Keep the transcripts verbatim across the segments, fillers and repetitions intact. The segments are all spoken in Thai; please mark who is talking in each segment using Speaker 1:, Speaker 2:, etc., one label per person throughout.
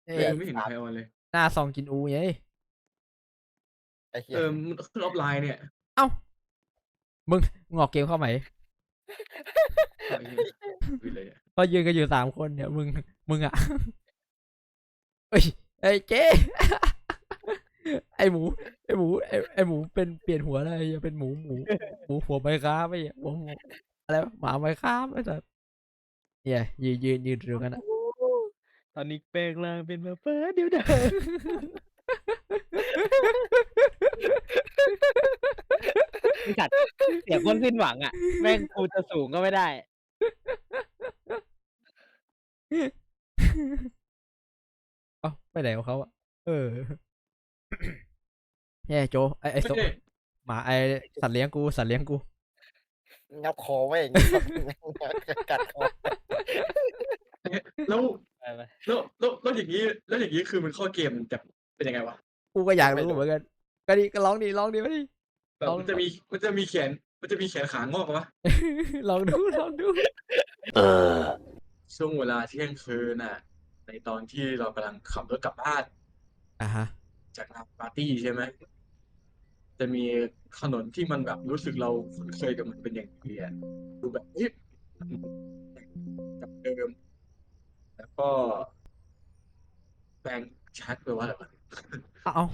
Speaker 1: เอ้
Speaker 2: เออ
Speaker 1: ย
Speaker 2: ไม่เห็นใครออนเลย
Speaker 1: หน้าซองกินอูไง
Speaker 3: ไอ้เหี้
Speaker 2: เอ
Speaker 3: ย
Speaker 2: อมันขึ้นออฟไลน์เนี่ย
Speaker 1: เอ้ามึงงอกเกมเข้าไหม
Speaker 2: เอาไอ้เหี้ยคุยเลยอะ
Speaker 1: ก็ยืนกันอยู่สามคนเนี่ยมึงมึงอ่ะเอ้ยไอ้เจ๊ไอ้หมูไอ้หมูไอ้ไอ้หมูเป็นเปลี่ยนหัวอะไรอย่าเป็นหมูหมูหมูหัวไม้ค้าไม่หัวหมูอะไรวะหมาไม้ค้าไม่ใช่เนี่ยยืนยืนยืนตรงกันอ่ะ
Speaker 4: ตอนนี้แปลงร่างเป็นมาฟ้าเดี๋ยวเดินไอ้สัตว์เสียงคนสิ้นหวังอ่ะแม่งกูจะสูงก็ไม่ได้
Speaker 1: เอ้าไปไหนของเขาอ่ะเออแย่โจไอไอ
Speaker 2: ไม่
Speaker 1: โซ
Speaker 2: ใช่
Speaker 1: หมาไอสัตว์เลี้ยงกูสัตว์เลี้ยงกู
Speaker 3: งับคอไว้อย่างงี้กัดคอ
Speaker 2: แล้ว
Speaker 4: ไปไป
Speaker 2: แล้วแล้วแล้วอย่างนี้แล้วอย่างนี้คือมันเข้าเกมจะเป็นยังไงวะ
Speaker 1: กูก็อยากรู้เหมือนกันก็ดีก็ลองดิลองดิมาดิ
Speaker 2: แบบ
Speaker 1: ลอง
Speaker 2: มันจะมีมันจะมีแขนมันจะมีแขนขางอกวะ
Speaker 1: ลองดูลองดู
Speaker 2: ช่วงเวลาเที่ยงคืนน่ะ ในตอนที่เรากำลังขับรถกลับบ้าน
Speaker 1: อ่ะฮะ
Speaker 2: จากงานปาร์ตี้ใช่ไหมจะมีถนนที่มันแบบรู้สึกเราคุ้นเคยกับมันเป็นอย่างดีอะดูแบบเอ๊ะกับเดิม แล้วก็แปลงชัดไปลว่าอะไรวะ
Speaker 1: เอาเอา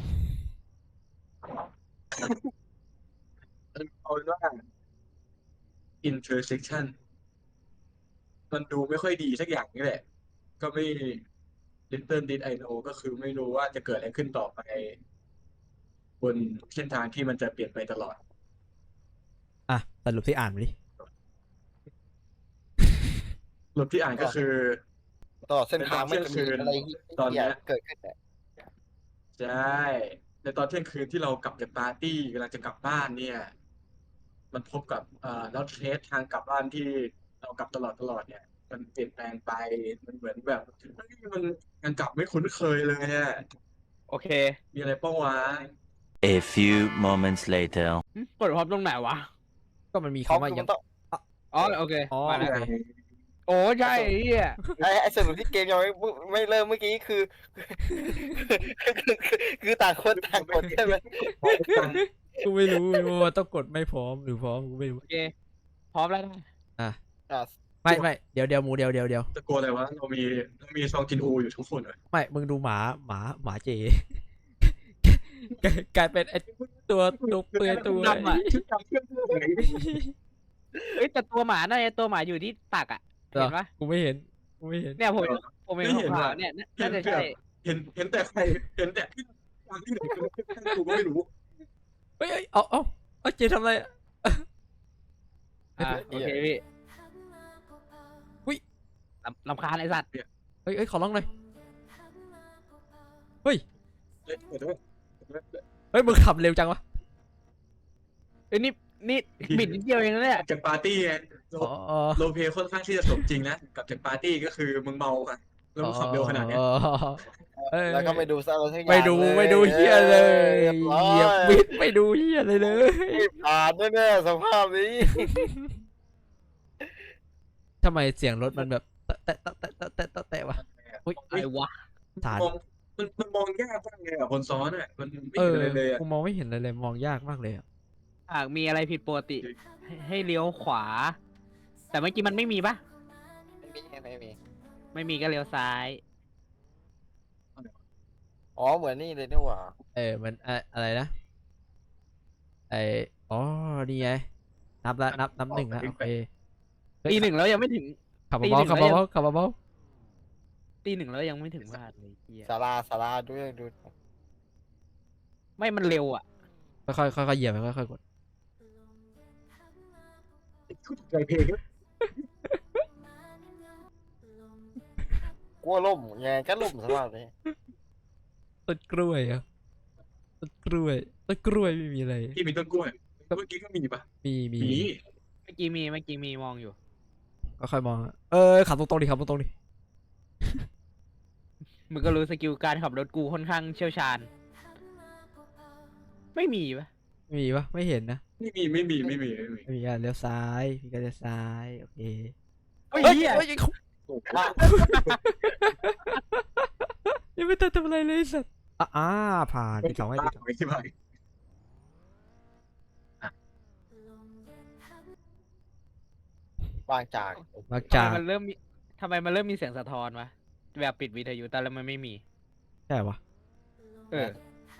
Speaker 2: เอาเป็นว่า intersection มันดูไม่ค่อยดีสักอย่างนี่แหละ ก็ไม่ little did I know ก็คือไม่รู้ว่าจะเกิดอะไรขึ้นต่อไป บนเส้นทางที่มันจะเปลี่ยนไปตลอด
Speaker 1: อ่ะสรุปที่อ่านมาดิ
Speaker 2: รถที่อ่านก็คือ
Speaker 3: ต่อเส้นทางไม่จะมีอะไร
Speaker 2: ตอนเนี้ย
Speaker 3: เกิดขึ้นเนี่ย
Speaker 2: ใช่ในตอนเที่ยงคืนที่เรากลับจากปาร์ตี้กำลังจะกลับบ้านเนี่ย มันพบกับเอ่อแล้วเทสทางกลับบ้านที่เรากลับตลอดตลอดเนี่ย มันเปลี่ยนแปลงไปมันเหมือนแบบเฮ้ยมันยังกลับไม่คุ้นเคยเลยเนี่ย
Speaker 4: โอเค
Speaker 2: มีอะไรป้องวะ
Speaker 5: A few moments later.
Speaker 4: หึกดพร้อมตรงไหนวะ
Speaker 1: ก็มันมี
Speaker 3: เขา
Speaker 1: คำว่า
Speaker 3: คือ
Speaker 1: ยั
Speaker 3: มั
Speaker 1: ง
Speaker 3: นต้อง
Speaker 4: อ๋อโอเค
Speaker 1: อ๋อ
Speaker 4: มา
Speaker 1: โอ
Speaker 4: แล้ว
Speaker 1: เค
Speaker 4: โอ้ใช่ไอ้เหี้ย
Speaker 3: ไอ้ไอ้สรุปที่เกมยังไม่ไม่เริ่มเมื่อกี้คือคือคือคือต่างคนต่างกดใช่ไหม
Speaker 1: กูไม่รู้ไม่รู้ว่าต้องกดไม่พร้อมหรือพร้อมกูไม่รู้
Speaker 4: โอเคพร้อมแล้วนะ
Speaker 1: อ่ะ
Speaker 3: อ่ะ
Speaker 1: ไม่ไม่เดี๋ยวเดี๋ยวหมูเดี๋ยวเดี๋ยวเดี๋ยว
Speaker 2: ตะโกนอะไรวะเรามีเรามีซองกินอูอยู่ทุกคนเลย
Speaker 1: ไม่มึงดูหมาหมาหมาเจ กลายเป็นไอตัวตัวเปลือยตัว
Speaker 4: ดำอ่ะ
Speaker 2: ชุดดำเพื่อนเพื่อนเลย
Speaker 4: เอ้ยแต่ตัวหมาน่าจะตัวหมาอยู่ที่ตักอ่ะเห็นปะ
Speaker 1: กูไม่เห็นกูไม่เห็น
Speaker 4: เนี่ยผมผมเห็นขาวๆเนี่ยน่าจะใช่
Speaker 2: เห็นเห็นแต่ใครเห็นแต่ที่วางที่ไหนก็กูก็ไม่รู้
Speaker 1: เฮ้ยเอ้ยเอาเอาเอาเจทำอะไรอะ
Speaker 4: อ่าโอเคพี่
Speaker 1: อุ๊ย
Speaker 4: ลำลำคาญไอ้สัตว์
Speaker 1: เฮ้ยเฮ้ยขอร้องหน่อยเฮ้ย
Speaker 2: เฮ้ยเดี๋ยวด้วย
Speaker 1: เฮ้ยมึงขับเร็วจังวะ
Speaker 4: เอ้ยนี่นี่บิดนิดเดียวเองนะเนี่ย
Speaker 2: จากปาร์ตี้ไงโล
Speaker 1: อ๋ออ๋อ
Speaker 2: โลเพค่อนข้างที่จะสมจริงนะกับจากปาร์ตี้ก็คือมึงเมาอะแล้วมึงขับเร็วขนาดเนี้ย
Speaker 1: อ๋อเอ้ย
Speaker 3: แล้วก็ไม่ดูซะอะไรทั้งอย่าง
Speaker 1: ไม่ดู
Speaker 3: เลย
Speaker 1: ไม่ดูเฮียเลย
Speaker 3: เรียบร้อย
Speaker 1: เหยียบบิดไม่ดูเฮียเลยเลย
Speaker 3: ไม่ผ่านแน่ๆสภาพนี้
Speaker 1: ทำไมเสียงรถมันแบบแตะแตะแตะแตะแตะแตะแตะวะอุ้ย
Speaker 4: ไอ้วะ
Speaker 1: ฐาน
Speaker 2: มองมันมันมองยากมากเลยอ่ะคนซ้อนอ่ะมันไม่
Speaker 1: เอ
Speaker 2: เห็น
Speaker 1: อ
Speaker 2: อะไรเลยอ่ะ
Speaker 1: กูมองไม่เห็นอะไรเลยมองยากมากเลยอะ
Speaker 4: หากมีอะไรผิดปกติ ให้ให้เลี้ยวขวา แต่เมื่อกี้มันไม่มีปะ
Speaker 3: ไม่มีไม่มี
Speaker 4: ไม่มีก็เลี้ยวซ้าย
Speaker 3: อ๋อเหมือนนี่เลยนี่หว่า
Speaker 1: เออมันอะอะไรนะไออ๋อนี่ไงนับละนับนับหนึ่งละโอเคเฮ้ย
Speaker 4: ตีหนึ่งแล้วยังไม่ถึง
Speaker 1: ขับ
Speaker 4: ตีห
Speaker 1: เบา
Speaker 4: นึ่ง
Speaker 1: ๆขับ
Speaker 4: แล้วยัง
Speaker 1: เบาๆขับเบา
Speaker 4: ตีหนึ่งแล้วยังไม่ถึงพลาดเลยเฮีย
Speaker 3: สาราสาราด้วยดู
Speaker 4: ไม่มันเร็วอ่ะ
Speaker 1: ๆค่อยๆค่อยๆเหยียบไปค่อยๆกด
Speaker 2: ใจเพลง
Speaker 3: กลัวล่มยังไงก็ล่มสภาพนี้
Speaker 1: ต้นกล้วยอะต้นกล้วยต้นกล้วยไม่มีอะไร
Speaker 2: ที่มีต้นกล้วยเมื่อกี้ก็มีปะ
Speaker 1: มีมี
Speaker 2: มี
Speaker 4: เมื่อกี้มีเมื่อกี้มีมองอยู่
Speaker 1: ก็ค่อยมองอะเออขับตรงๆดิขับตรงๆดิ
Speaker 4: มึงก็รู้สกิลการขับรถกูค่อนข้างเชี่ยวชาญ ไม่มีปะ
Speaker 1: มีปะไม่เห็นนะ
Speaker 2: ไม่มีไม่มีไม่มีไม่มี
Speaker 1: ไม่มีอ่ะเลี้ยวซ้ายพี่ก็เลี้ยวซ้ายโอเค
Speaker 4: เฮ้ย
Speaker 1: เฮ้ย
Speaker 4: เหี้ย
Speaker 1: เฮ้ยเขา
Speaker 2: โอ้โห
Speaker 1: ยังไม่ทันทำอะไรเลยไอ้สัตว์อ่ะอ่าผ่านปิดสองให้ปิดสอง
Speaker 2: ไม่ใช่ไหม
Speaker 3: วางจาก
Speaker 1: มา
Speaker 4: ทำ
Speaker 1: จา
Speaker 4: ไม
Speaker 1: ก
Speaker 4: มันเริ่มมีทำไมมันเริ่มมีเสียงสะท้อนวะแบบปิดวิทยุแต่แล้วมันไม่มี
Speaker 1: ใช่ปะ
Speaker 4: เออ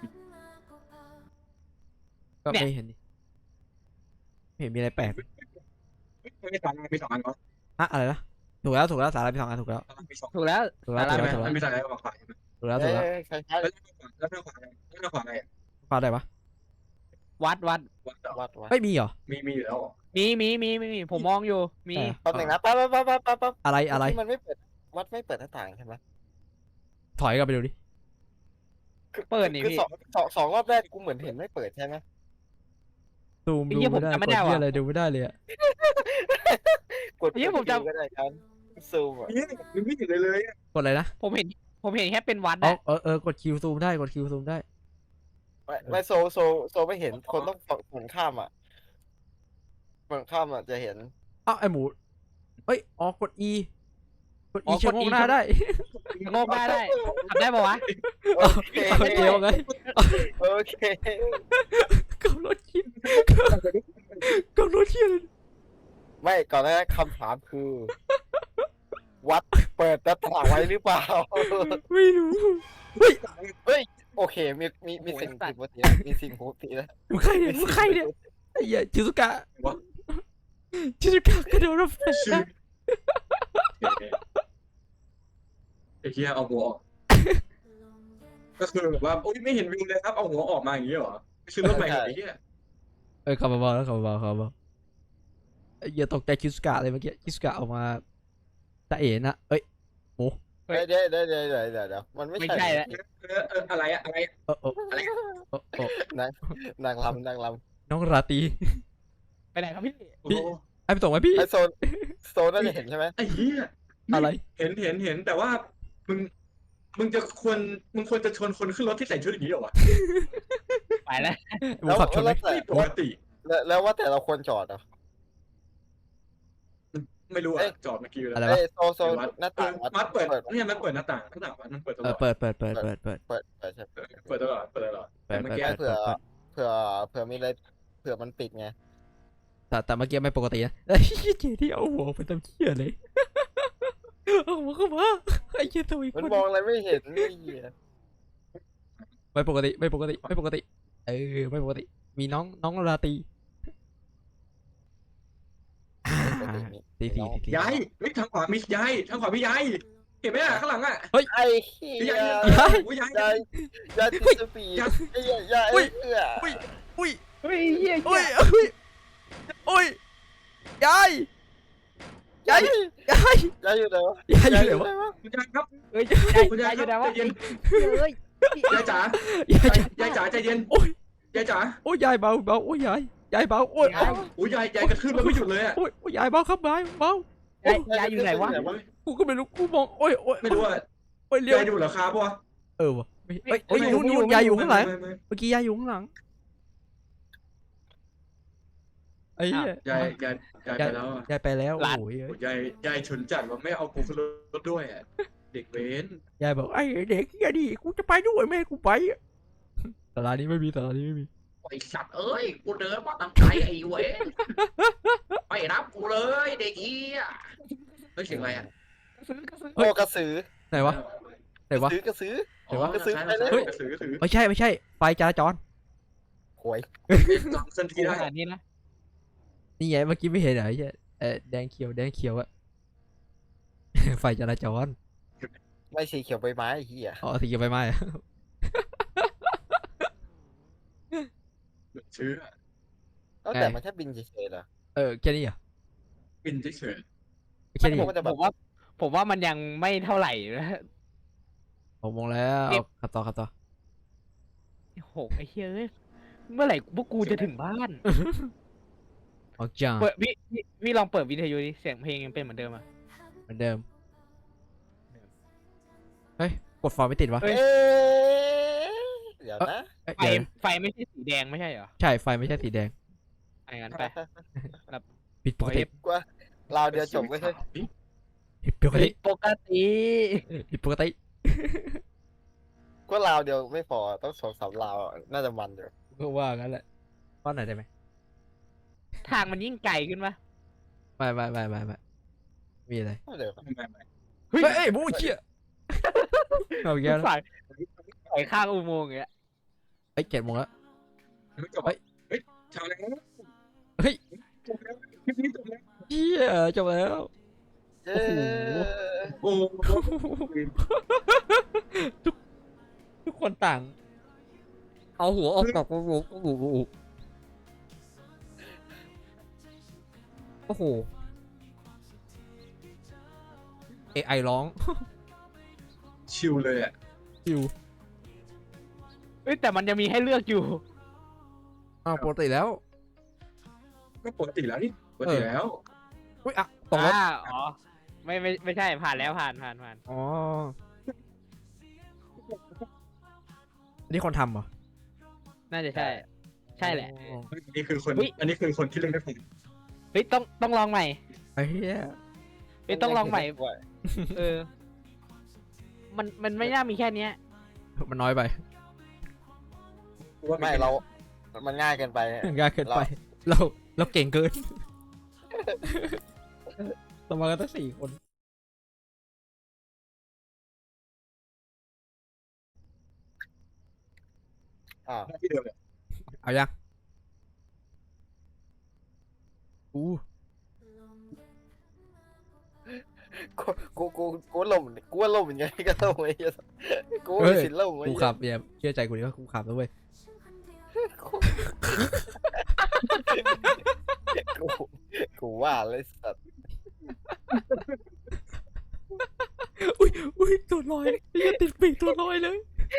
Speaker 1: ก็
Speaker 4: เนี่ย
Speaker 1: ไม่เห็นดิไม่เห็นมีอะไรแปลก
Speaker 2: ไม่สองอันมีสองอันก็
Speaker 1: อะอะไรนะถูกแล้วถูกแล้วสาระมีสองอันถูกแล้ว
Speaker 2: มีสอง
Speaker 4: ถูกแล้ว
Speaker 1: ถูกแล้ว
Speaker 4: สา
Speaker 1: ถู
Speaker 4: ระ
Speaker 1: กแล้วถูกแล้ว
Speaker 2: มันมีสองอันกับขวา
Speaker 1: ถูกแล้วถู
Speaker 3: เอ้
Speaker 1: กแล้ว
Speaker 3: ยคล้าย
Speaker 2: แล้วแล้วขวาแล้วขวาอะไร
Speaker 1: ฟาดได้ปะ
Speaker 4: วัดวัด
Speaker 2: วัดต่อ
Speaker 3: ๆวัดวัด
Speaker 1: ไม่มีเหรอ
Speaker 2: มีมีอยู่แล้ว
Speaker 4: มีมีมีมีมีผมมองอยู่มี
Speaker 1: ใช่
Speaker 3: แป๊บหนึงนะแป๊บแป๊บแป๊บแป๊บแป๊บแป๊บ
Speaker 1: อะไรอะไร
Speaker 3: ที่มันไม่เปิดวัดไม่เปิดหน้าต่างใช่ไหม
Speaker 1: ถอยกลับไปดูดิ
Speaker 3: คือ
Speaker 4: เปิดนี่
Speaker 3: คือ
Speaker 4: พี่
Speaker 3: สองสองสองรอบแรกกูเหมือนเห็นไม่เปิดใช่ไหม
Speaker 1: ซูม
Speaker 4: ไอ้
Speaker 1: ดู
Speaker 4: เหี้ยผม
Speaker 1: ไม่ได้
Speaker 4: จำไม่
Speaker 1: กด
Speaker 4: ได้
Speaker 1: ที่
Speaker 4: ว่ะ
Speaker 1: อะไรดูไม่ได้เลยอะ
Speaker 3: กด
Speaker 4: เฮ้ยผมจำ
Speaker 3: ก็ได้ครับซูมอ่ะ
Speaker 2: นี่มันไม่เห็นเลยเลย
Speaker 1: กดอะไรนะ
Speaker 4: ผมเห็นผมเห็นแค่เป็นวัด
Speaker 1: อ๋อ
Speaker 4: อะ
Speaker 1: เออเออกดคิวซูมได้กดคิวซูมได้
Speaker 3: ไม่ไม่โซโซโซไม่เห็นคนต้องฝั่งข้ามอ่ะฝั่งข้ามอ่ะจะเห็น
Speaker 1: อ้าวไอหมูเอ้ยอ๋อกด E กด E ชะโงกหน้าได้
Speaker 4: โงกได้ได้ทำได้ปะวะ
Speaker 3: โอเค
Speaker 1: โอเคว่าไง
Speaker 3: โอเค
Speaker 1: กับรถคิดกับรถคิด
Speaker 3: ไม่ก่อนหน้านั้นคำถามคือ วัดเปิดหน้าต่างไว้หรือเปล่า
Speaker 1: ไม่รู้
Speaker 3: เฮ้ยโอเคมีมีมีสิ่งผิดปกตินะมีสิ่งปกตินะ
Speaker 1: มึงใครเนี่ยมึงใครเนี่ยไอ้เหี้ยชิซุกะชิซุกะกระโดดรถไฟ
Speaker 2: ชื่อไอ้เหี้ยเอาหัวออกก็คือแบบว่าโอ้ยไม่เห็นวิวเลยครับเอาหัวออกมาอย่างนี้เหรอคือรถใหม่ไอ้เหี้ย
Speaker 1: เออขับเบาๆแล้วขับเบาๆขับเบาไอ้เหี้ยตกใจชิซุกะเลยเมื่อกี้ชิซุกะออกมาตะเอ๋นะเอ้ย
Speaker 3: เดี๋ยวเดี๋ยวเดี๋ยวเดี๋ยวเดี๋ยวเดี๋ยวเดี๋ยวมันไม่
Speaker 4: ไม่
Speaker 3: ใช่
Speaker 4: ใช่แล้ว
Speaker 2: เออเอออะไรอะอะไร
Speaker 1: เออเออ
Speaker 2: อะไร
Speaker 1: เออเออน
Speaker 3: างนางลำนางล
Speaker 1: น้องราตรี
Speaker 4: ไปไหนครับพี่
Speaker 2: โอ้โห
Speaker 1: ไอ้ไปส่งไหมพี่
Speaker 3: ำไอโซนโซนน่าจะเห็นใช่ไหม
Speaker 2: ไอ้เหี้ย
Speaker 1: อะไร
Speaker 2: เห็นเห็นเห็นแต่ว่ามึงมึงจะควรมึงควรจะชวนคนขึ้นรถที่ใส่ชุดอย่างนี้เหรอวะ
Speaker 4: ไปแล้ว
Speaker 1: หมูขับชนไหม
Speaker 3: แล้วแต่
Speaker 2: ไม่ปกติ
Speaker 3: แล้วแล้วว่าแต่เราควรจอดเหรอ
Speaker 2: ไม่รู้
Speaker 3: เอ้
Speaker 2: อะ
Speaker 3: ย
Speaker 2: จอดเมื่อกี้เลย
Speaker 1: อะไร
Speaker 3: เอ้
Speaker 1: วะ
Speaker 3: ยโซโซหน้าต่าง
Speaker 2: มัดเปิด
Speaker 3: เปิด
Speaker 2: เนี่ยมันเปิดหน้าต่างหน้าต่างมันเปิดต
Speaker 1: เอ
Speaker 2: ล
Speaker 1: อ
Speaker 2: อด
Speaker 1: เปิดเปิดเปิดเปิดเปิดเปิด
Speaker 3: เปิดเปิดใช่
Speaker 2: เปิดตลอดเปิดตลอด
Speaker 1: เปิ
Speaker 2: แต่
Speaker 1: ด
Speaker 2: เมื่อ
Speaker 1: เปิด
Speaker 2: กี้
Speaker 1: เปิด
Speaker 3: เผื่อ
Speaker 1: เปิด
Speaker 3: เผื่อเผื่อมีอะไรเผื่อมันปิดไง
Speaker 1: แต่แต่เมื่อกี้ไม่ปกตินะไอ้เหี้ยเจที่เอาหัวไปทำเหี้ยเลยเอาหัวเข้ามาไอ้เหี้ยตัวอีก
Speaker 3: มัน
Speaker 1: คน
Speaker 3: มองอะไรไม่เห็นนี่เหี้ย
Speaker 1: ไม่ปกติไม่ปกติไม่ปกติเออไม่ปกติมีน้องน้องราตรีอ่า
Speaker 3: ปกติมี
Speaker 1: ตีสี่ตีสี่
Speaker 2: ย้ายเฮ้ยทางขวามีย้ายทางขวามีย้ายเห็นไหมอะข้างหลังอะ
Speaker 3: ไอ้เหี้ย
Speaker 2: ย้าย
Speaker 1: ย้าย
Speaker 2: ย้าย
Speaker 3: ยายยายติดสปีดไอ้เหี้ยยาย
Speaker 1: อุ้ย
Speaker 3: เหี้ย
Speaker 1: อุ้ยอุ้ย
Speaker 4: เฮ้ยเหี้ย
Speaker 1: อุ้ยอุ้ยอุ้ยยายยายยาย
Speaker 3: ยายอยู่ไหนวะ
Speaker 1: ยายอยู่ไหนวะ
Speaker 3: วะ
Speaker 2: คุณยายครับ
Speaker 4: เฮ้ย
Speaker 2: คุณยาย
Speaker 4: อยู่
Speaker 2: ค
Speaker 4: ไหน
Speaker 2: รับ
Speaker 4: วะ
Speaker 2: ใจเย็น
Speaker 4: เฮ้ย
Speaker 2: ยายจ๋าย
Speaker 1: ายจ๋าย
Speaker 2: ายจ๋าใจเย็น
Speaker 1: โอ้ย
Speaker 2: ยายจ๋า
Speaker 1: โอ้ยยายเบาเบาโอ้ยยายยายเบาโอ้ย
Speaker 4: ยาย
Speaker 2: โอ้ยยายยายกระทืบแล้วไม่หยุดเลยอะ
Speaker 1: โอ้ยโอ้ยยายเบาครับยายเบาย
Speaker 4: ายยายอยู่ไหนวะ
Speaker 1: กูก็ไม่รู้กูมองโอ้ยโอ้ย
Speaker 2: ไม่รู้อะ
Speaker 1: โอ้ยเลี้ยวย
Speaker 2: ายดูเหรอครับวะ
Speaker 1: เออวะไม่เอ้ยเอ้ยนู่นนู่นยายอยู่ข้างหลังเมื่อกี้ยายอยู่ข้างหลังไอ้เหี้ย
Speaker 2: ยายยายยายไปแล้วอะ
Speaker 1: ยายไปแล้ว
Speaker 4: หลาน
Speaker 1: โอ้ย
Speaker 2: โอ้ยยายยายฉุนจัดว่าไม่เอากูขึ้นรถด้วยอะเด็กเว้น
Speaker 1: ยายบอกไอ้เด็กเหี้ยดิกูจะไปด้วยแม่ให้กูไปอะตลาดนี้ไม่มีตลาดนี้ไม่มี
Speaker 6: ไอสัตว์เอ้ย กูเดินมาตั้งไกลไอ้เวนไม่รับกูเลยเด็กเฮียเฮ้ยเสียงอะไรอ่ะ
Speaker 3: โอ้กระสือ
Speaker 1: ไหนวะไหนวะ
Speaker 3: ซื้อกระสือ
Speaker 1: เดี๋ยววะ
Speaker 3: กระสือไปเลย
Speaker 2: เฮ้ยกระสือกระสือ
Speaker 1: ไม่ใช่ไม่ใช่ไฟจราจร
Speaker 3: หวย
Speaker 2: จำเส้นที่
Speaker 4: ข
Speaker 2: ได้
Speaker 4: นาดนี้นะ
Speaker 1: นี่ไงเมื่อกี้ไม่เห็นเหรอไอ้เหี้ยเออแดงเขียวแดงเขียวอะ ไฟจราจร
Speaker 3: ไม่สีเขียวใบไม้ไอ้เหี้ย
Speaker 1: อ๋อสีเขียวใบไม้อะ
Speaker 2: เชื่อ
Speaker 3: แล้วแต่มันแค่บินเฉยๆเหรอ
Speaker 1: เออแค่นี้เหรอ
Speaker 2: บินเฉย
Speaker 1: แค่นี้
Speaker 4: ผ
Speaker 1: เหร
Speaker 4: ม
Speaker 1: อ
Speaker 4: ผมว่าผมว่ามันยังไม่เท่าไหร่นะ
Speaker 1: ผมมองแล้ว
Speaker 4: เก็บ
Speaker 1: ขับต่อขับต่อ
Speaker 4: โหไอ้เหี้ยเอ้ยเมื่อไหร่พวกกูจะถึงบ้าน
Speaker 1: ออกจ้า
Speaker 4: เปิดพี่พี่พี่ลองเปิดวิทยุดิเสียงเพลงยังเป็นเหมือนเดิมอ่ะ
Speaker 1: เหมือนเดิมเฮ้ยกดฟอร์มไม่ติดวะ
Speaker 4: เฮ้ย
Speaker 3: เอ๊ะเดี๋ยวนะ
Speaker 1: เอ้ย
Speaker 4: ไฟ
Speaker 1: เดี๋ยวนะ
Speaker 4: ไฟไม่ใช่สีแดงไม่ใช่เหรอ
Speaker 1: ใช่ไฟไม่ใช่สีแดง
Speaker 4: อะไรงั้นไป
Speaker 1: ผิดปกติ
Speaker 3: กว่าลาวเดียวจบไม่ใช่
Speaker 1: ผิดปกติ
Speaker 4: ปกติ
Speaker 1: ผิดปกติ
Speaker 3: ก็ราวเดียวไม่พอต้องสองสามราวอะน่าจะมันอยู่
Speaker 1: ก็ว่างั้นแหละป้อนหน่อยได้ไหม
Speaker 4: ทางมันยิ่งไกลขึ้นปะ
Speaker 1: ไม่ไม่ไม่ไม่ไม่มีอะไร
Speaker 3: เดี๋ยว
Speaker 2: ไม่ไม่ไม่
Speaker 1: เฮ้ยเอ้ยบูเชี่ยเอาอีกแล้วนะ
Speaker 4: ฝ่ายฝ่ายข้างอุโมงค์อย่างเงี้ย
Speaker 1: ไอ้ยเจ็ดโมงแล้ว
Speaker 2: ไม่จบ
Speaker 1: เฮ้ย
Speaker 2: เฮ้ยชาวแล้ว
Speaker 1: เฮ้ย
Speaker 2: จบแล้วคลิปนี้จบแล้ว
Speaker 1: เชี่ยจบแล้ว
Speaker 3: เย้
Speaker 2: โอ้โห
Speaker 1: ทุกทุกคนต่าง เอาหัวออกจากโอ้โหโอ้โหโอ้โหโอ้โหเอไอร้อง
Speaker 2: ชิลเลยอ่ะ
Speaker 1: คิว
Speaker 4: เอ้ยแต่มันจะมีให้เลือกอยู่
Speaker 1: อ้าวปกติแล้ว
Speaker 2: ก็ปกติแล้วนี่ปกติแล้ว
Speaker 1: อุ้ยอ่ะตกแล้ว
Speaker 4: อ่าอ๋อไม่ไม่ไม่ใช่ผ่านแล้วผ่านผ่านผ่าน
Speaker 1: อ๋ออันนี้คนทำเหรอ
Speaker 4: น่าจะใช่ ใช่แหละ
Speaker 1: อ๋อ
Speaker 2: อันนี้คือคน
Speaker 4: เฮ้ย
Speaker 2: อันนี้คือคนที่เล่นไม่เป็น
Speaker 4: เฮ้ยต้องต้องลองใหม่
Speaker 1: ไอ้เหี้ย
Speaker 4: เฮ้ยต้องลองใหม่เออ มันมันไม่น่ามีแค่เนี้ย
Speaker 1: มันน้อยไป
Speaker 3: ไม่เรา มันง่ายเกินไป
Speaker 1: ง่ายเกินไป เราเราเก่งเกินเรามากันตั้งสี่คน
Speaker 3: อ่า
Speaker 2: ที่เดิมเลย
Speaker 1: เอายังอู้
Speaker 3: กูกูกูกูล่มกูว่าล่มยังไงก็ล่มไอ้เหี้ยกูว่ามีสิทธิ์ล่มไอ้
Speaker 1: กู
Speaker 3: เหี้ย
Speaker 1: ขับเนี่ยเชื่อใจกูดิว่ากูขับแล้วเว้ย
Speaker 3: กูกูว่าเลยสัตว์
Speaker 1: อุ้ยอุ้ยตัวลอยไอ้เหี้ยติดปีกตัวลอยเลย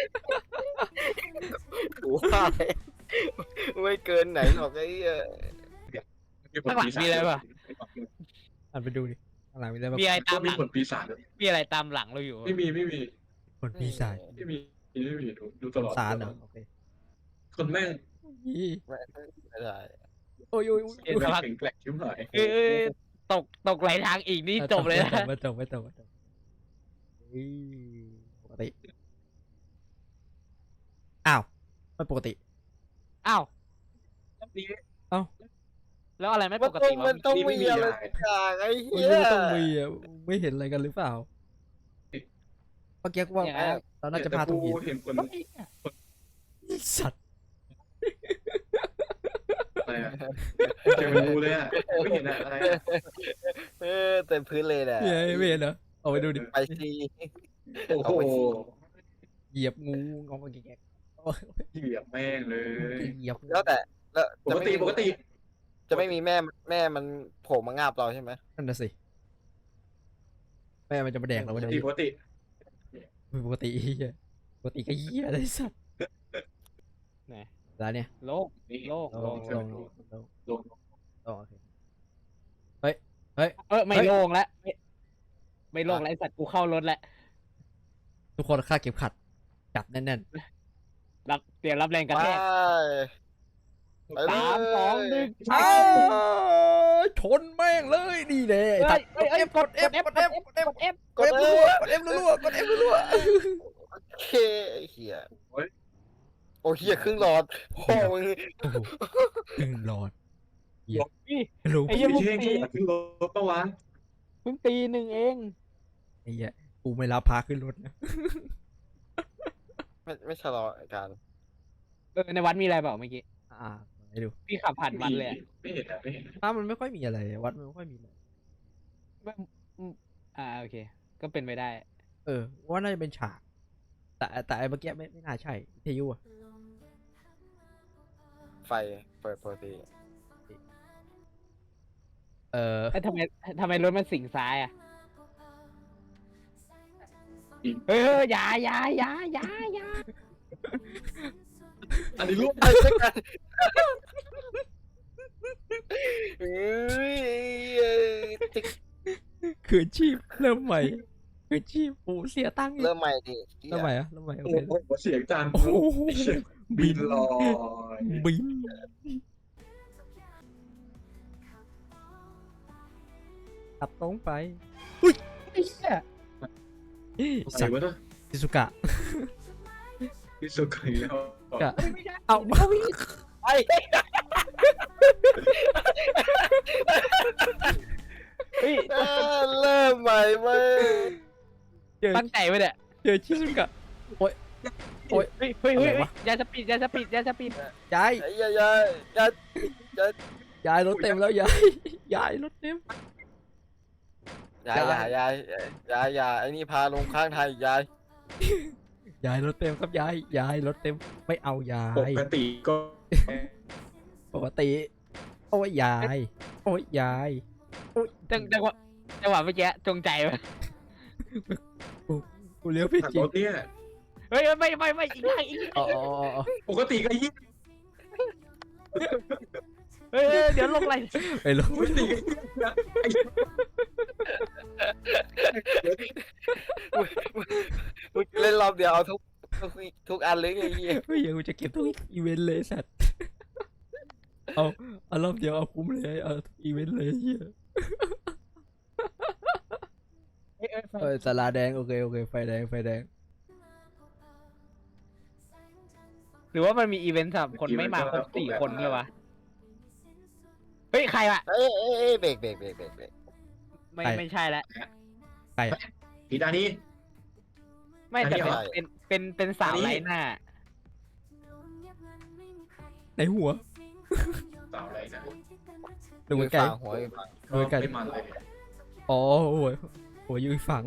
Speaker 3: กูว่าเลยไม่เกินไหนหรอกไอ้เหี้ย
Speaker 4: ข้างหลังมีอะไรปะ
Speaker 1: อ่านไปดูดิข้างหลังมีอะไรบ้าง
Speaker 4: มีอะไรตามห
Speaker 2: มี
Speaker 4: ลัง
Speaker 2: ผลปีศาจด้วย
Speaker 4: มีอะไรตามหลังเราอยู่
Speaker 2: ไม่มีไม่มี
Speaker 1: คนปีศาจ
Speaker 2: ไม่มีไม่มีดูดูตลอด
Speaker 1: สารเหรอโอเค
Speaker 2: คนแม่ง
Speaker 1: ยี่
Speaker 3: ไม่ไม่ได้
Speaker 1: โอ้ยโอ้ยโอ้ย
Speaker 2: เอ็นแข็งแกร่งชิบหาย
Speaker 4: เอ้ยเอ้ยตกตกไหลทางอีกนี่จบเลยนะ
Speaker 1: ไม่จบไม่จบไม่จบอุ้ยปกติอ้าวไม่ปกติ
Speaker 4: อ้าว
Speaker 2: นี่
Speaker 4: แล้วอะไรไม่
Speaker 3: มั
Speaker 4: ป
Speaker 3: น
Speaker 4: ก
Speaker 3: ต้อ
Speaker 4: ติ
Speaker 3: ง
Speaker 4: วะ
Speaker 3: มันต้องมีอะไรสักอย่างไอ้
Speaker 1: มึง
Speaker 3: เหี้ย
Speaker 1: ไม่ต้องมีอ่ะไม่เห็นอะไรกันหรือเปล่าเมื่อกี้กูว่า
Speaker 4: อย่างนั้น
Speaker 1: เราน่าจะพาตรงหิน
Speaker 2: เห็นคน
Speaker 1: สัตว์
Speaker 2: อะไรอะเจอมันดูเลยอ่ะไม่เห็นอะอะไรอะ
Speaker 3: เออเต็มพื้นเลยแหละ
Speaker 1: เฮ้ยไม่เห็นเหรอเอาไปดูดิ
Speaker 3: ไปซี
Speaker 2: โอ้โห
Speaker 1: เหยียบงูงอมาแกะโอ้ย
Speaker 2: เหยียบแม่งเลย
Speaker 1: เหยียบ
Speaker 3: แล้วแต่แล้ว
Speaker 2: ปกติปกติ
Speaker 3: จะไม่มีแม่แม่มันโผล่มางาบเราใช่ไหม
Speaker 1: นั่นน่ะสิแม่มันจะมาแดกเรา
Speaker 2: ป
Speaker 1: ไม่
Speaker 2: ก
Speaker 1: ได้
Speaker 2: ติปกติ
Speaker 1: ปกติเหี้ยปกติก็เหี้ยอะไรสัตว์
Speaker 4: ไหน
Speaker 1: ร้านเนี่ย
Speaker 4: โลก
Speaker 2: นี่
Speaker 4: โลก
Speaker 1: ล
Speaker 4: โล
Speaker 1: ง
Speaker 4: ก
Speaker 1: ลงลงลง
Speaker 2: ลง
Speaker 1: โอเค
Speaker 4: เออไม่โล่งแล้วไม่ไม่โล่งแล้วไอสัตว์กูเข้ารถแล้ว
Speaker 1: ทุกคนค่าดเก็บขัดจับแน่น
Speaker 4: รับเตรียมรับแรงกระ
Speaker 3: ไป
Speaker 4: แทก
Speaker 3: ไป
Speaker 4: สามสองหนึ่ง
Speaker 1: ๆอ้าวชนแม่งเลยนี่แน่
Speaker 4: เอ้ย
Speaker 1: กด
Speaker 4: เอ้ย
Speaker 1: F กด F กด F กด F
Speaker 4: กด F
Speaker 1: กด F รัวๆกด F รัวๆกด F รัว
Speaker 3: โอเคไอ้เหี้ยโอ้เหี้ยครึ่งหลอดพ่อมึง
Speaker 1: ๆโอ้โหตึงหลอดเหี้ย
Speaker 4: นี่
Speaker 1: รู้
Speaker 4: ไอ้เหี้ย
Speaker 2: พี่เท่งที่อยากขึ้นรถปะวะ
Speaker 4: เพิ่งตีหนึ่งเอง
Speaker 1: ไอ้เหี้ยกูไม่รับพาขึ้นรถนะ
Speaker 3: ไม่ไม่ชะลอการ
Speaker 4: เออในวัดมีอะไรเปล่าเมื่อกี้
Speaker 1: อ่าให้ดู
Speaker 4: พี่ขับผ่านวัดเลยอะ
Speaker 2: ไม่เห็นอะไม่เห็น
Speaker 1: ถ้ามันไม่ค่อยมีอะไรวัดมันไม่ค่อยมีอะไร
Speaker 4: ไม่อืมอ่าโอเค ก็เป็นไปได้
Speaker 1: เออว่าน่าจะเป็นฉาก แต่แต่ไอ้เมื่อกี้ไม่ไม่น่าใช่วิทยุอะ
Speaker 3: ไฟเปิดปกติ
Speaker 1: เออ
Speaker 4: เอ้ยทำไมทำไมรถมันสิงซ้ายอ่ะเฮ้ยเฮ้ยอย่าอย่าอย่าอย่าอย่า
Speaker 2: อันนี้รูป
Speaker 3: ไอ้เจ้ากันเอ้ยติ๊ก
Speaker 1: คืนชีพเริ่มใหม่คืนชีพโอ้เสียตังค์อีก
Speaker 3: เริ่มใหม่ดิ
Speaker 1: เริ่มใหม่อะเริ่มใหม่โอ
Speaker 2: โอ้
Speaker 1: เค
Speaker 2: โหเสียงจาน
Speaker 1: โอ้โห
Speaker 2: บินลอย
Speaker 1: บินขับตรงไปอุ้ย
Speaker 4: ไอ้เหี้ย
Speaker 2: ใส่
Speaker 1: สัตว์
Speaker 2: วะเนาะ
Speaker 1: ชิซุกะ
Speaker 2: พิสุกอีกแล้ว
Speaker 1: กะเอามา
Speaker 3: ไอ้
Speaker 4: เฮ้ย
Speaker 3: เออเริ่มใหม่เว้ย
Speaker 1: เจอ
Speaker 4: ตั้งใจไปเนี่ย
Speaker 1: เจอชิซุกะ
Speaker 4: เฮ้ยเฮ้ยเฮ้ยเฮ้ย
Speaker 1: อะไรวะ
Speaker 4: ยาสปีดยาสปีดยาสปีด
Speaker 1: ยาย
Speaker 3: ไอ้ยายายาย
Speaker 1: ยายรถเต็มแล้วยายยายรถเต็ม
Speaker 3: ยายยายยายยายยายไอ้นี่พาลงข้างทางอีกยาย
Speaker 1: ยายรถเต็มครับยายยายรถเต็มไม่เอายา
Speaker 2: ป
Speaker 1: ย
Speaker 2: กติก็
Speaker 1: ปกติโอ้ยยายโอ้ยยาย
Speaker 4: จังจังหวะจังหวะเมื่อกี้จงใจไป
Speaker 1: กูเลี้ยวผิด
Speaker 2: ขับ
Speaker 1: จริ
Speaker 2: รง ถเนี่ย
Speaker 4: เฮ้ยไม่ไม่ไม่อีกอย่างอีกอย่าง
Speaker 1: อ๋ออ๋ออ๋อ
Speaker 2: ปกติก็ยี่
Speaker 4: เฮ้ยเฮ้ยเดี๋ยวลงอะไร
Speaker 1: ไปลง
Speaker 2: ปกติก็ยี่นะ
Speaker 3: มึงเล่นรอบเดียวเอาทุกทุกทุกอันเลยไอ้เหี้ย
Speaker 1: เฮ้ยเดี๋ยวกูจะเก็บทุกอีเวนต์เลยสัตว์เอาเอารอบเดียวเอาคุ้มเลยเอาทุกอีเวนต์เลยเฮีย
Speaker 4: เฮ้ยเฮ้ยไฟ
Speaker 1: เออสาราแดงโอเคโอเคไฟแดงไฟแดง
Speaker 4: หรือว่ามันมีอีเวนต์สำหรับคนไม่มาครบสี่คนเลยวะเฮ้ยใครวะ
Speaker 3: เอ้ยเอ้ยเอ้ยเบรกเบรกเบรกเบรกเบรก
Speaker 4: ไม่ไม่ใช่แล้ว
Speaker 1: ใครอะ
Speaker 2: ผีตานี้
Speaker 4: ไม่แต่
Speaker 2: อันนี้
Speaker 4: เป็น
Speaker 2: เหรอ
Speaker 4: เป็นเป็นเป็นสาว
Speaker 2: อันนี้
Speaker 4: ไร้หน้า
Speaker 1: ในหัว
Speaker 2: สาวอะไรนะ
Speaker 1: ดูไกล
Speaker 3: ฝั่งหัวอยู่ฝั่ง
Speaker 1: ดูไกล
Speaker 2: ไม่มันเลย
Speaker 1: อ๋อโอ้ยโอ้ยอยู่อีกฝั่ง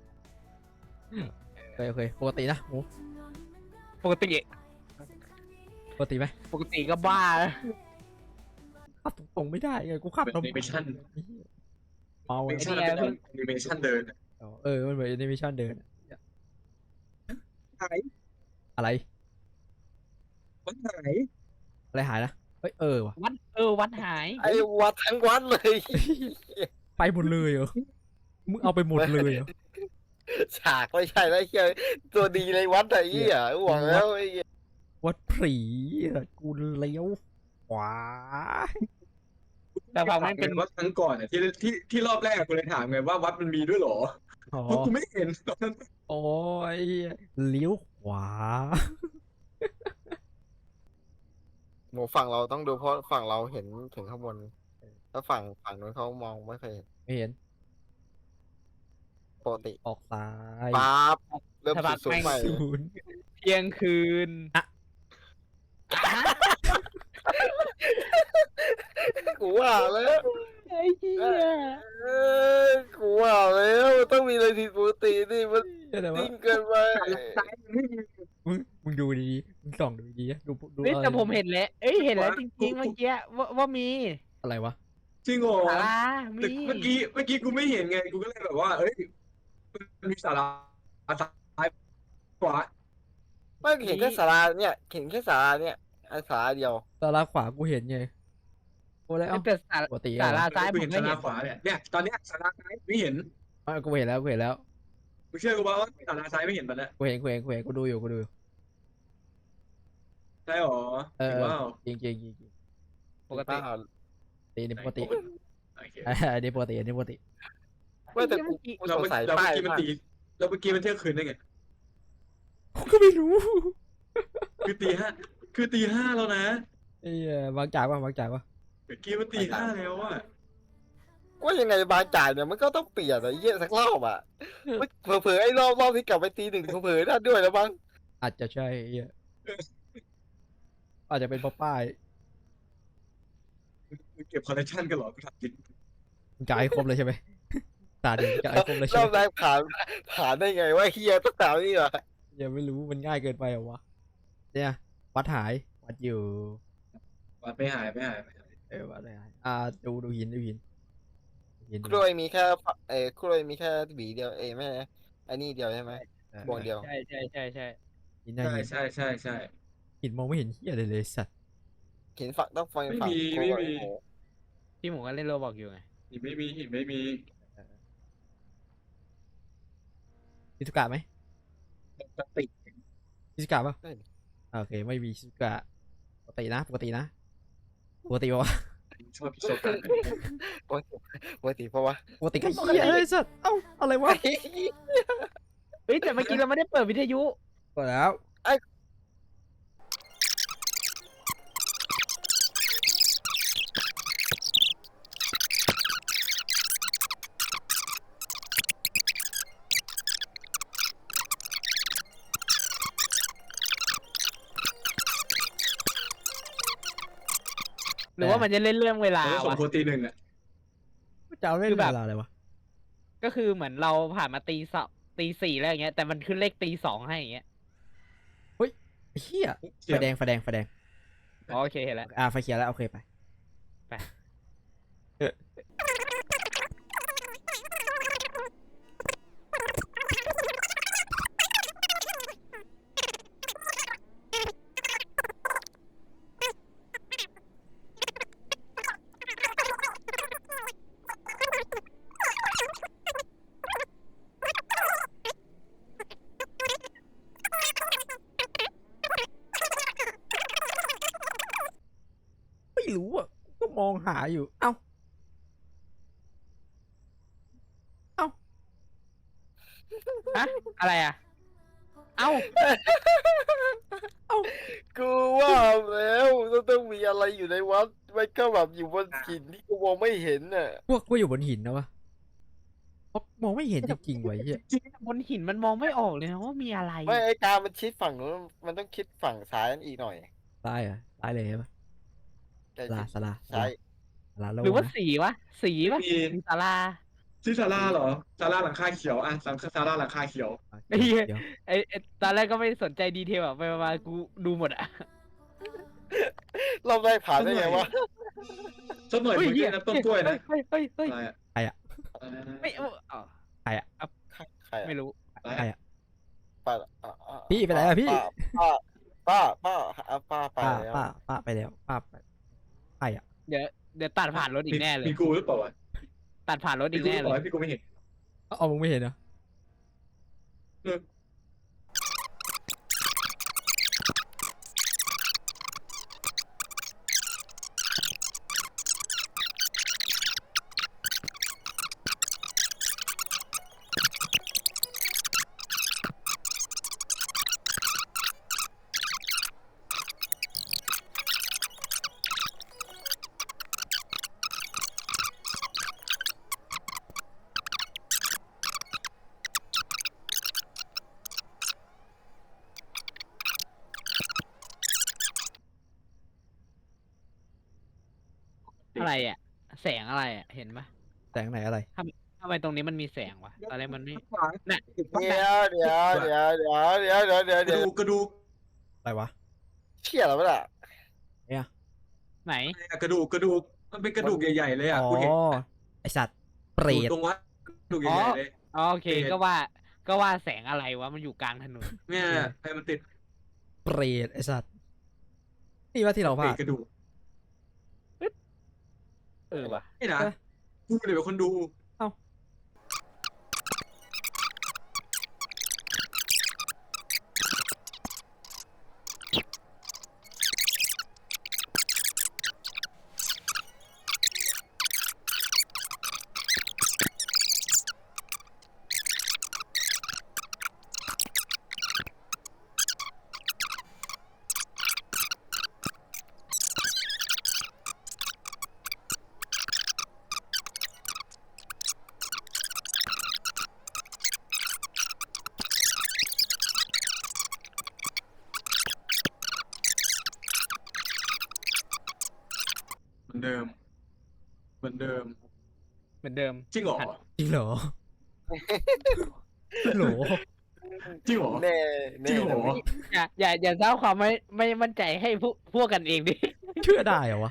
Speaker 1: โอเคโอเคปกตินะโอ้
Speaker 4: ปกติ
Speaker 1: ปกติไหม
Speaker 4: ปกติก็บ้า
Speaker 1: ขับตรงๆไม่ได้ไงกูขับ
Speaker 2: เป็น
Speaker 1: ลำ
Speaker 2: แอนิเมชั่น
Speaker 1: เมา
Speaker 2: แอ
Speaker 1: อะ
Speaker 2: นิเมชั่นเป็นแอนิเมชั่นเดิน
Speaker 1: อ๋อเออมันเหมือนแอนิเมชันเดินอะ
Speaker 2: หาย
Speaker 1: อะไร
Speaker 2: วันหาย
Speaker 1: อะไรหายนะเฮ้ยเออว่ะ
Speaker 4: วัดเออวัดหาย
Speaker 3: ไอ้วัดทั้งวัดเลย
Speaker 1: ไปหมดเลยเหรอมึงเอาไปหมดเลยเหรอ
Speaker 3: ฉากไม่ใช่แล้วไอ้เหี้ยตัวดีเลยวัดไอ้เหี้ยหวังแล้วไอ้เหี้ย
Speaker 1: วัดผีอะกูเลี้ยวขวา
Speaker 4: แต่ฝั่งมันเป็น
Speaker 2: วัดครั้งก่อนอ่ะที่ที่ที่รอบแรกกูเลยถามไงว่าวัดมันมีด้วยเหรอ
Speaker 1: อ๋อ
Speaker 2: เพราะกูไม่เห็นตอนนั้น
Speaker 1: โอ้ยเลี้ยวขวา
Speaker 3: หมูฝั่งเราต้องดูเพราะฝั่งเราเห็นถึงข้างบนถ้าฝั่งฝั่งนู้นเขามองไม่เคยเห็น
Speaker 1: ไม่เห็น
Speaker 3: ปกติ
Speaker 1: ออกซ้าย
Speaker 3: ปั๊บเริ่ม
Speaker 4: สะบัด
Speaker 3: สูง
Speaker 4: แม่ง
Speaker 3: ใหม่
Speaker 1: ศูนย์
Speaker 4: เที่ยงคืน
Speaker 3: กูว่าแล้ว
Speaker 4: ไอ้เหี้ย
Speaker 3: เอ้ยกูว่าแล้วต้องมีอะไรผิดปกตินี่มัน
Speaker 1: อะไรวะ
Speaker 3: นิ่งเกินไป
Speaker 2: ซ้ายมันไม่มี
Speaker 1: มึงมึงดูดีๆมึงส่องดูดีๆดูดู
Speaker 4: เฮ้ย
Speaker 1: อะไร
Speaker 4: แต่ผมเห็นแล้วเอ้ยเห็นแล้วจริงๆเมื่อกี้ว่าว่ามี
Speaker 1: อะไรวะ
Speaker 2: จริงเหรอ
Speaker 4: สารามี
Speaker 2: แต่เมื่อกี้เมื่อกี้กูไม่เห็นไงกูก็เลยแบบว่า เอ้ยมันมีสาราซ้ายขวา
Speaker 3: ไม่เห็นแค่สาราเนี่ยเห็นแค่สาราเนี่ยไอ้สาราเดียว
Speaker 1: ตาลาขวากูเห็นไงโอ้แล้ว
Speaker 4: แต่สา
Speaker 1: ปกติ
Speaker 4: สา
Speaker 1: อะ
Speaker 4: ราซ้าย
Speaker 2: กู
Speaker 4: ผ
Speaker 2: เห็
Speaker 4: ม
Speaker 2: น
Speaker 4: ไม่
Speaker 2: สา
Speaker 4: เห็
Speaker 2: ราน ขวาเนี่ยเนี่ยตอนเนี้ยสาราซ้ายไม่เห็น
Speaker 1: อ่ะกูเห็นแล้วกูเห็นแล้ว
Speaker 2: กูเชื่อกูว่าสาราซ้ายไม่เห็นตอนเนี้ย
Speaker 1: กูเห็นกูเห็นกูเห็นกูดูอยู่กูดูอยู่
Speaker 2: ใช่หรอ
Speaker 1: เอ
Speaker 2: จริ
Speaker 1: อง
Speaker 2: ว่า
Speaker 1: จริงจริงจริงจริง
Speaker 4: ปกติ
Speaker 3: อ้าว
Speaker 1: อันนี้ปกติ
Speaker 2: โอเค
Speaker 1: อันนี้ปกติอันนี้ปกติ
Speaker 3: ไม่แต่กูกู
Speaker 2: เรา
Speaker 3: สง
Speaker 2: เมื่อ
Speaker 3: สัย
Speaker 2: เรา
Speaker 3: ป้า
Speaker 2: เมื่
Speaker 3: ย
Speaker 2: อกี้มัน
Speaker 3: มาก
Speaker 2: ตีเราเมื่อกี้มันเที่ยงคืนได้ไง
Speaker 1: กูก็ไม่รู้
Speaker 2: คือตีห้าคือตีห้าแล้วนะ
Speaker 1: ไอ้เหี้ยบางจากวะบางจากวะ
Speaker 2: เมื่อกี้มันตีห้าแล้วอะ
Speaker 3: ว่ายังไงบางจ่ายเนี่ยมันก็ต้องเปลี่ยนไอ้เหี้ยสักรอบอ่ะเผลอๆไอ้รอบรอบที่กลับไปตีหนึ่งเผลอๆนั่นด้วยแล้วมั้ง
Speaker 1: อาจจะใช่ไอ้เหี้ยอาจจะเป็นเพราะป้าย
Speaker 2: มึงเก็บคอลเลคชันกันเหรอกูถามจริง
Speaker 1: มึงจะให้ครบเลยใช่ไหมตาดีจะให้ครบเลย
Speaker 3: ร
Speaker 1: ใช่
Speaker 3: อ
Speaker 1: ไห
Speaker 3: บ
Speaker 1: ม
Speaker 3: แรกผ่านผ่านได้ไงว่าเฮียต้องถามนี่วะ
Speaker 1: ยังไม่รู้มันง่ายเกินไปเหรอวะเนี่ยวัดหายวัดอยู่
Speaker 2: วัดไม่หายไม่หายไม่หาย
Speaker 1: เออวัดหายอ่าดูดูหินดูหินหิน
Speaker 3: กล้วยมีแค่ฝเอ้กล้วยมีแค่หวีเดียวเอ้ไม่ไอ้นี่เดียวใช่ไหม
Speaker 1: เออ
Speaker 3: พวงเดียว
Speaker 4: ใช่ใช่ใช่ใช่
Speaker 1: หินหน้า
Speaker 2: ใช่
Speaker 1: หิน
Speaker 2: ใช่ใช่ใช่
Speaker 1: หินมองไม่เห็นเหี้ยอะไรเลยสัตว์
Speaker 3: เห็นฝักต้องฟัง
Speaker 2: ไม่
Speaker 3: ฝั่ง
Speaker 2: มี
Speaker 3: โค้
Speaker 2: ไม่
Speaker 3: ง
Speaker 2: มี
Speaker 3: โอ้โห
Speaker 4: พี่หมูก็เล่นโรบอกอยู่ไง
Speaker 2: หินไม่มีหินไม่มี
Speaker 1: ชิซุกะไหม
Speaker 2: ปกติ
Speaker 1: ชิซุกะป่ะอ่าโอเคไม่มีชิซุกะปกตินะปกตินะปกติวะ
Speaker 2: ชอบพิโซกัน
Speaker 3: ปกติเพราะว่า
Speaker 1: ปกติก็เหี้ยเลยสัตว์เอ้าอะไรวะ
Speaker 4: เฮ้ยแต่เมื่อกี้เราไม่ได้เปิดวิทยุ
Speaker 1: ก็แล้ว
Speaker 4: หรือว่ามันจะเล่นเรื่องเวลา
Speaker 2: เราต้องส่ง
Speaker 4: วะ
Speaker 2: โปรตีนหนึ่งอ่ะ
Speaker 1: จะเอาเล่น
Speaker 4: คือแบบ
Speaker 1: เวลาอะไรวะ
Speaker 4: ก็คือเหมือนเราผ่านมาตีสองตีสี่แล้วอย่างเงี้ยแต่มันขึ้นเลขตีสองให้อย่างเงี้ย
Speaker 1: ไอ้เฮียไฟแดงไฟแดงไฟแดง
Speaker 4: อ๋อโอเคเห็นแล้ว
Speaker 1: อ่าไฟเขียวแล้วโอเคไป
Speaker 4: ไป
Speaker 1: เออไม่รู้อ่ะก็มองหาอยู่เอ้า
Speaker 4: ฮะอะไรอ่ะ เอ้า
Speaker 3: กูว่าแล้วต้องต้องมีอะไรอยู่ในวัดไม่ก็แบบอยู่บนหินที่กูมองไม่เห็นน่ะ
Speaker 1: พวกกูอยู่บนหินนะวะเพราะมองไม่เห็นจริงๆไว้เฮีย
Speaker 4: บนหินมันมองไม่ออกเลยนะว่ามีอะไร
Speaker 3: ไม่ไอ้การมันชิดฝั่งนู้นมันต้องคิดฝั่งซ้ายนั่นอีกหน่อย
Speaker 1: ตายเหรอตายเลยใช่ปะ
Speaker 3: แต่
Speaker 1: สลาสลาส
Speaker 3: ซ้า
Speaker 1: ลาย สลาโล
Speaker 4: หรือว่า
Speaker 1: นะ
Speaker 4: สีวะสีวะ
Speaker 2: มี
Speaker 4: สีศาลา
Speaker 2: ชื่อซาร่าเหรอซาร่าหลังคาเขียวอ่ะซาซาร่าหลังคาเขียว
Speaker 4: ไอ้เหี้ย
Speaker 1: เดี๋ยว
Speaker 4: ไอ้ไอ้ตอนแรกก็ไม่สนใจดีเทลอะไปมาๆกูดูหมดอะ
Speaker 3: เราได้ผ่านได้ไงวะ
Speaker 2: สักหน่อย
Speaker 4: เฮ้
Speaker 2: เหมือน
Speaker 4: เหี้
Speaker 2: กันนะต้นกล้วยนะ
Speaker 4: เฮ้ยเฮ้ยเฮ้ย
Speaker 2: อะไรอ่ะ
Speaker 1: ใครอะ
Speaker 4: ไม่เอาอ๋อ
Speaker 3: ใครอะ
Speaker 4: ไม่รู้
Speaker 1: ใครอะ
Speaker 3: ป้าอ่ะอ่ะ
Speaker 1: พี่ไปไหนอะพี่
Speaker 3: ป้าป้าป้าป้าป้าไป
Speaker 1: ป้า
Speaker 3: แล้ว
Speaker 1: ป้าป้าไปแล้วป้าไปใครอะ
Speaker 4: เดี๋ยวเดี๋ยวตัดผ่านรถอีกแน่เลย
Speaker 2: มีกูหรือเปล่าวะ
Speaker 4: ตัดผ่านรถ
Speaker 2: มี
Speaker 4: อีก
Speaker 2: กูห
Speaker 4: แน่
Speaker 2: รือเป
Speaker 4: เล
Speaker 2: ล่าย พี่กูไม่เห็น
Speaker 1: เอามึงไม่เห็นเหรอ
Speaker 2: เออ
Speaker 4: อะไรอะแสงอะไรอะเห็นปะ
Speaker 1: แต่งไหนอะไร
Speaker 4: ทำไมตรงนี้มันมีแสงวะตอนแรกมันไม่ น่ะ
Speaker 3: เดี๋ยวเดี๋ยวเดี๋ยวเดี๋ยวเดี๋ยวเดี๋ยวเดี๋ยว
Speaker 2: ก
Speaker 3: เดี๋
Speaker 2: ระ
Speaker 3: ยว
Speaker 2: ดูกกระดูก
Speaker 1: อะไรวะ
Speaker 3: เชี่ยแล้วปะล่ะ
Speaker 4: ไหน
Speaker 2: อะไรอะกระดูกกระดูกมันเป็นกระดูกใหญ่ๆเลยอ่ะ
Speaker 1: อ๋อ
Speaker 2: กูเห็น
Speaker 1: ไอสัตว์เปร
Speaker 2: อยู่
Speaker 1: ต
Speaker 2: ตรงวัดกระดูกใหญ่ๆเลย
Speaker 4: อ๋อโอเคก็ว่าก็ว่าแสงอะไรวะมันอยู่กลางถนน
Speaker 2: เนี่ยใครมันติด
Speaker 1: เปรตไอสัตว์นี่ว่าที่เราพ
Speaker 2: เปร
Speaker 1: ลา
Speaker 2: ต
Speaker 1: ด
Speaker 2: กระดูก
Speaker 4: เออวะ
Speaker 2: นี่นะ
Speaker 1: เออ
Speaker 2: กูเลยเป็นคนดู เหมือนเดิม เหมือนเดิม
Speaker 4: เหมือนเดิม
Speaker 2: จริงเหรอ
Speaker 1: จริงเหรอโหล
Speaker 2: จริงเหรอ
Speaker 3: แน่
Speaker 2: จริ
Speaker 3: แน่
Speaker 2: งเหรอ
Speaker 4: อย่าอย่าอย่าสร้างความไม่ไม่มั่นใจให้พวกพวกกันเองดิ
Speaker 1: เชื่อได้เหรอวะ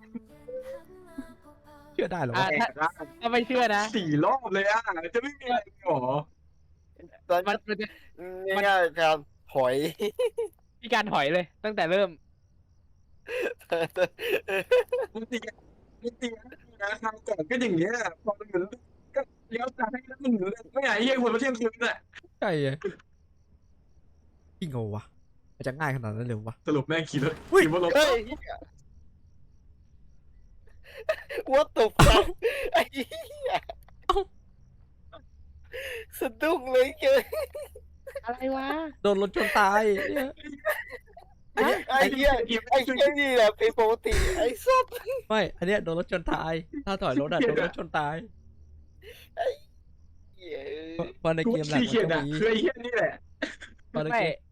Speaker 1: เชื่อได้เหรอ
Speaker 4: อ่ะ
Speaker 1: วะ
Speaker 4: ถ้าถ้าไม่เชื่อนะ
Speaker 2: สี่รอบเลยอ่ะ จะไม่มีอะไรเหรอ
Speaker 3: ตอน
Speaker 4: มันมันจะ
Speaker 3: ง่ายๆการถอย
Speaker 4: มีการถอยเลย ตั้งแต่เริ่ม
Speaker 2: มึงตีมึงตีนะคราวก่อนก็อย่างเงี้ยพอมันเหมือนก็เลี้ยวซ้ายแล้วมันเหมือนไม่ไหนเฮียหัวมาเที่ยงคืนน่ะ
Speaker 1: ใช่ไงจริงเหรอวะมันจะง่ายขนาดนั้นเลยวะ
Speaker 2: สรุปแม่งขี่รถ
Speaker 1: อุ้ย
Speaker 2: ขี่บนรถ
Speaker 3: เฮ้ย What the fuck ไอ้เหี้ยสะดุ้งเลยเกิน
Speaker 4: อะไรวะ
Speaker 1: โดนรถชนตายเนี่ย
Speaker 3: ไอ้เหี้ยไอ้เหี้ยนี่แหละเป็นปกติไอ้สัส
Speaker 1: ไม่อันเนี้ยโดนรถชนตาย ถ้าถอยรถอะโดนรถชนตาย
Speaker 3: เหี้ย
Speaker 1: เพราะเพราะใน
Speaker 2: กู
Speaker 1: เกมหลัก
Speaker 2: ขี่
Speaker 1: มัน
Speaker 2: เขียน
Speaker 1: ก็
Speaker 2: อ่ะ
Speaker 1: มี
Speaker 2: คือไอ้เฮียนี่แหละ
Speaker 1: เพราะใน
Speaker 4: ไม่
Speaker 1: เกม